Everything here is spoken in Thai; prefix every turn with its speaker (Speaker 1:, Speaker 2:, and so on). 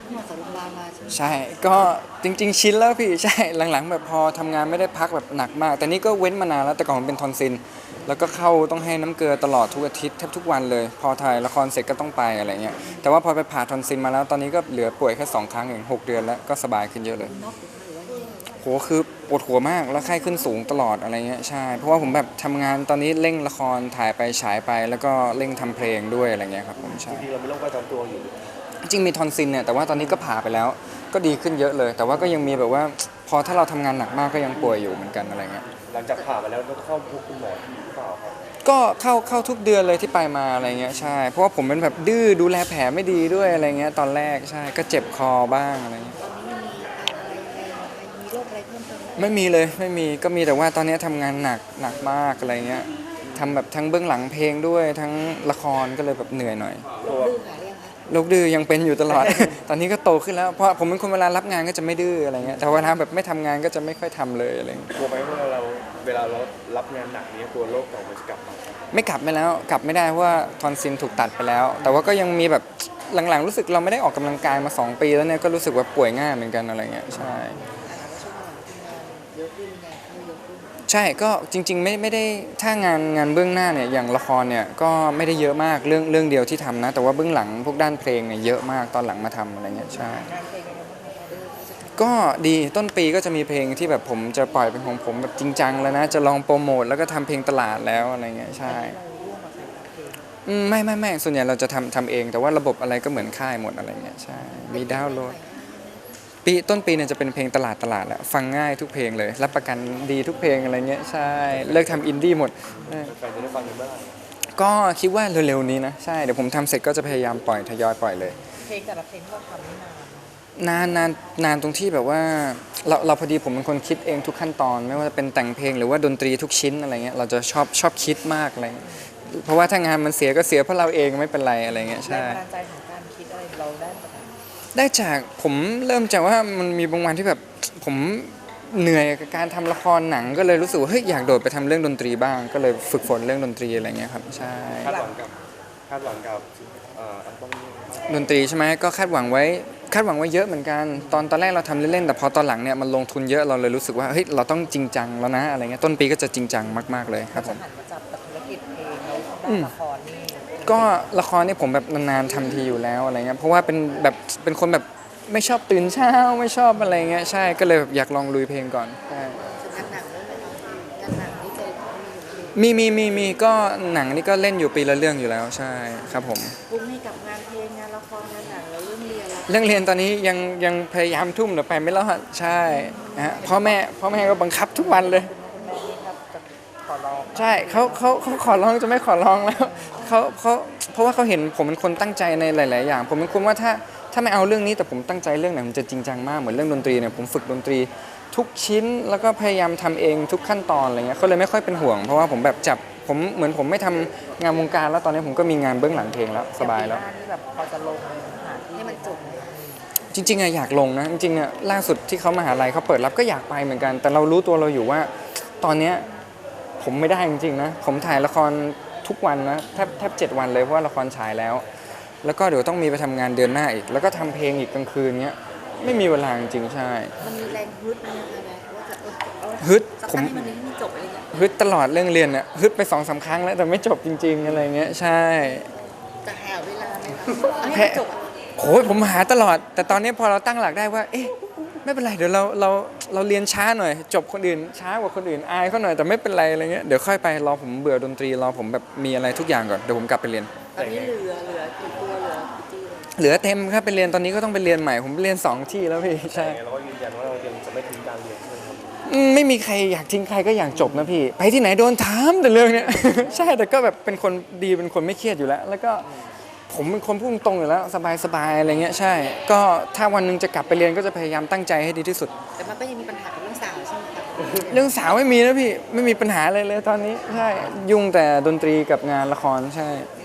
Speaker 1: หมอสรุปลามาใช่ไหม
Speaker 2: ใช่ก็จริงๆชินแล้วพี่ใช่หลังๆแบบพอทำงานไม่ได้พักแบบหนักมากแต่นี่ก็เว้นมานานแล้วแต่ก่อนผมเป็นทอนซิลแล้วก็เข้าต้องให้น้ำเกลือตลอดทุกอาทิตย์แทบทุกวันเลยพอถ่ายละครเสร็จก็ต้องไปอะไรเงี้ยแต่ว่าพอไปผ่าทอนซิลมาแล้วตอนนี้ก็เหลือป่วยแค่2 ครั้งเอง6 เดือนแล้วก็สบายขึ้นเยอะเลย
Speaker 1: นอกหรือว่ายังไง
Speaker 2: โหคือปวดหัวมากแล้วไข้ขึ้นสูงตลอดอะไรเงี้ยใช่เพราะว่าผมแบบทำงานตอนนี้เร่งละครถ่ายไปฉายไปแล้วก็เร่งทำเพลงด้วยอะไรเงี้ยครับผม
Speaker 3: จ
Speaker 2: ใช่
Speaker 3: ริงๆเรามีโรคประจำตัวอยู่
Speaker 2: จริงมีทอนซิลเนี่ยแต่ว่าตอนนี้ก็ผ่าไปแล้วก็ดีขึ้นเยอะเลยแต่ว่าก็ยังมีแบบว่าพอถ้าเราทำงานหนักมากก็ยังป่วยอยู่เหมือนกันอะไรเงี้ย
Speaker 3: หลังจากผ่ามาแล้วต้องเข้าพบคุณหมอที่หรือเปล่าครับ
Speaker 2: ก็เข้าทุกเดือนเลยที่ไปมาอะไรเงี้ยใช่เพราะว่าผมเป็นแบบดื้อดูแลแผลไม่ดีด้วยอะไรเงี้ยตอนแรกใช่ก็เจ็บคอบ้างอะไรเงี้ย
Speaker 1: ตอนนี้มีอะไรมีโรคอะไรเพิ่มเติมไหม
Speaker 2: ไม่มีเลยไม่มีก็มีแต่ว่าตอนนี้ทำงานหนักมากอะไรเงี้ยทำแบบทั้งเบื้องหลังเพลงด้วยทั้งละครก็เลยแบบเหนื่อยหน่อย
Speaker 1: โรคดื้อหายหรือยังคะ
Speaker 2: โรคดื้อยังเป็นอยู่ตลอด ตอนนี้ก็โตขึ้นแล้วเพราะผมเป็นคนเวลารับงานก็จะไม่ดื้ออะไรเงี้ยแต่เวลาแบบไม่ทำงานก็จะไม่ค่อยทำเลยอะไรเงี้ย
Speaker 3: กลัวไหมว่าเวลาเรารับงานหนักนี้กลัวโรคเก่ามันจะกลับมา
Speaker 2: ไม่กลับไม่แล้วกลับไม่ได้เพราะว่าทอนซิลถูกตัดไปแล้วแต่ว่าก็ยังมีแบบหลังๆรู้สึกเราไม่ได้ออกกำลังกายมา2 ปีแล้วเนี่ยก็รู้สึกว่าป่วยง่ายเหมือนกันอะไรเงี้ยใช่
Speaker 1: ช่วงหลังทำงานเยอะขึ้นไงเข้าเยอะขึ้น
Speaker 2: ใช่ก็จริงๆไม่ได้ถ้างานเบื้องหน้าเนี่ยอย่างละครเนี่ยก็ไม่ได้เยอะมากเรื่องเดียวที่ทำนะแต่ว่าเบื้องหลังพวกด้านเพลงเนี่ยเยอะมากตอนหลังมาทำอะไรเงี้ยใช่
Speaker 1: งานเพลงยังไงบ้างคะเขาจะท
Speaker 2: ก็ดีต้นปีก็จะมีเพลงที่แบบผมจะปล่อยเป็นของผมแบบจริงจังแล้วนะจะลองโปรโมทแล้วก็ทำเพลงตลาดแล้วอะไรเงี้ย
Speaker 1: ำ
Speaker 2: ใช่
Speaker 1: เราร่วมกับใครเพลง
Speaker 2: ไม่ส่วนใหญ่เราจะทำเองแต่ว่าระบบอะไรก็เหมือนค่ายหมดอะไรเงี้ยใช่มีดาวน์โหลดต้นปีเนี่ยจะเป็นเพลงตลาดแหละฟังง่ายทุกเพลงเลยรับประกันดีทุกเพลงอะไรเงี้ยใช่เลิกทำอินดี้หมด
Speaker 3: แฟนๆจะได้ฟังกันเมื่อไหร่
Speaker 2: ก็คิดว่าเร็วๆนี้นะใช่เดี๋ยวผมทำเสร็จก็จะพยายามปล่อยทยอยปล่อยเลย
Speaker 1: เพลงแต่ละเพลงที่เราทำนี่นาน
Speaker 2: นานตรงที่แบบว่าเราพอดีผมเป็นคนคิดเองทุกขั้นตอนไม่ว่าจะเป็นแต่งเพลงหรือว่าดนตรีทุกชิ้นอะไรเงี้ยเราจะชอบคิดมากอะไรเงี้ยเพราะว่าถ้างานมันเสียก็เสียเพราะเราเองไม่เป็นไรอะไรเงี้ย
Speaker 1: แรง
Speaker 2: ใช่
Speaker 1: บันดาลใจของการคิดอะไรเราได้มาจากไหน
Speaker 2: ได้จากผมเริ่มจากว่ามันมีบางวันที่แบบผมเหนื่อยกับการทำละครหนังก็เลยรู้สึกว่าเฮ้ยอยากโดดไปทำเรื่องดนตรีบ้างก็เลยฝึกฝนเรื่องดนตรีอะไรเงี้ยครับใช่
Speaker 3: คาดหวังกับคาดหวังกับอัลบั้มนี้
Speaker 2: ดนตรีใช่ไหมก็คาดหวังไว้เยอะเหมือนกันตอนแรกเราทำเล่นๆแต่พอตอนหลังเนี่ยมันลงทุนเยอะเราเลยรู้สึกว่าเฮ้ยเราต้องจริงจังแล้วนะอะไรเงี้ยต้นปีก็จะจริงจังมากๆเลยครับผม
Speaker 1: จะหันมาจับกับธุรกิจเพลงแล้วด้านละครนี่
Speaker 2: ก็ละครเนี่ยผมแบบนานๆทำทีอยู่แล้วอะไรเงี้ยเพราะว่าเป็นคนแบบไม่ชอบตื่นเช้าไม่ชอบอะไรเงี้ยใช่ก็เลยแบบอยากลองลุยเพลงก่อนใช่
Speaker 1: งานหนังด้วยไหมคะงานหนังนี่เคย
Speaker 2: มีก็หนังนี่ก็เล่นอยู่ปีละเรื่องอยู่แล้วใช่ครับผม
Speaker 1: ปรุงให้กับงานเพลงงานละครงานหนังแล้วเรื่องเรียนแล้ว
Speaker 2: เรื่องเรียนตอนนี้ยังพยายามทุ่มแต่ไปไม่รอดใช่ฮะพ่อแม่ก็บังคับทุกวันเลย
Speaker 1: คุณแม่นี่ครับจะขอร้อง
Speaker 2: ใช่เขาขอร้องจะไม่ขอร้องแล้วเขาเพราะว่าเขาเห็นผมเป็นคนตั้งใจในหลายๆอย่างผมเป็นคนว่าถ้าไม่เอาเรื่องนี้แต่ผมตั้งใจเรื่องไหนมันจะจริงจังมากเหมือนเรื่องดนตรีเนี่ยผมฝึกดนตรีทุกชิ้นแล้วก็พยายามทำเองทุกขั้นตอนอะไรเงี้ยเขาเลยไม่ค่อยเป็นห่วงเพราะว่าผมแบบจับผมเหมือนผมไม่ทำงานวงการแล้วตอนนี้ผมก็มีงานเบื้องหลังเพลงแล้วสบายแล้ว
Speaker 1: ปีหน้านี่แบบพอจะลงหาที่ให้มันจบ
Speaker 2: จริงๆอะอยากลงนะจริงๆอะล่าสุดที่เขามหาลัยเขาเปิดรับก็อยากไปเหมือนกันแต่เรารู้ตัวเราอยู่ว่าตอนเนี้ยผมไม่ได้จริงๆนะผมถ่ายละครทุกวันนะแทบ7 วันเลยเพราะว่าละครฉายแล้วแล้วก็เดี๋ยวต้องมีไปทำงานเดือนหน้าอีกแล้วก็ทำเพลงอีกกลางคืนเนี้ยไม่มีเวลาจริงๆใช่
Speaker 1: มันมีแรงฮึดนะคะนะว่าจะ
Speaker 2: ฮึด
Speaker 1: สัก
Speaker 2: ผม
Speaker 1: ครั้งให้มันนี้จบอะไรอย่างเงี้ย
Speaker 2: ฮึดตลอดเรื่องเรียนอะฮึดไป2-3 ครั้งแล้วแต่ไม่จบจริงๆอะไรเงี้ยใช่
Speaker 1: จะหาเวลาไหมคะให้มันจบ
Speaker 2: โอ้ยผมหาตลอดแต่ตอนนี้พอเราตั้งหลักได้ว่าเอ๊ะไม่เป็นไรเดี๋ยวเราเรียนช้าหน่อยจบคนอื่นช้ากว่าคนอื่นอายเขาหน่อยแต่ไม่เป็นไรอะไรเงี้ยเดี๋ยวค่อยไปรอผมเบื่อดนตรีรอผมแบบมีอะไรทุกอย่างก่อนเดี๋ยวผมกลับไปเรียน
Speaker 1: ตอนนี้เหลือกี่ตัวเหลือกี่ที่
Speaker 2: เหลือเต็มครับไปเรียนตอนนี้ก็ต้องไปเรียนใหม่ผมเรียน2 ที่แล้วพี่ใช่
Speaker 3: แต่เราก็ยืนยันว่าเรายังจะไม่ทิ้งการเรียนใช่ไหมครับ
Speaker 2: ไม่มีใครอยากทิ้งใครก็อยากจบนะพี่ไปที่ไหนโดนถามแต่เรื่องเนี้ย ใช่แต่ก็แบบเป็นคนดีเป็นคนไม่เครียดอยู่แล้วแล้วก็ผมเป็นคนพูดตรงอยู่แล้วสบายๆอะไรเงี้ยใช่ก็ถ้าวันหนึงจะกลับไปเรียนก็จะพยายามตั้งใจให้ดีที่สุด
Speaker 1: แต่มันก็ยังมีปัญหากับเรื่องสาวใช่ไหมคะ
Speaker 2: เรื่องสาวไม่มีนะพี่ไม่มีปัญหาอะไรเลยตอนนี้ใช่ยุ่งแต่ดนตรีกับงานละครใช่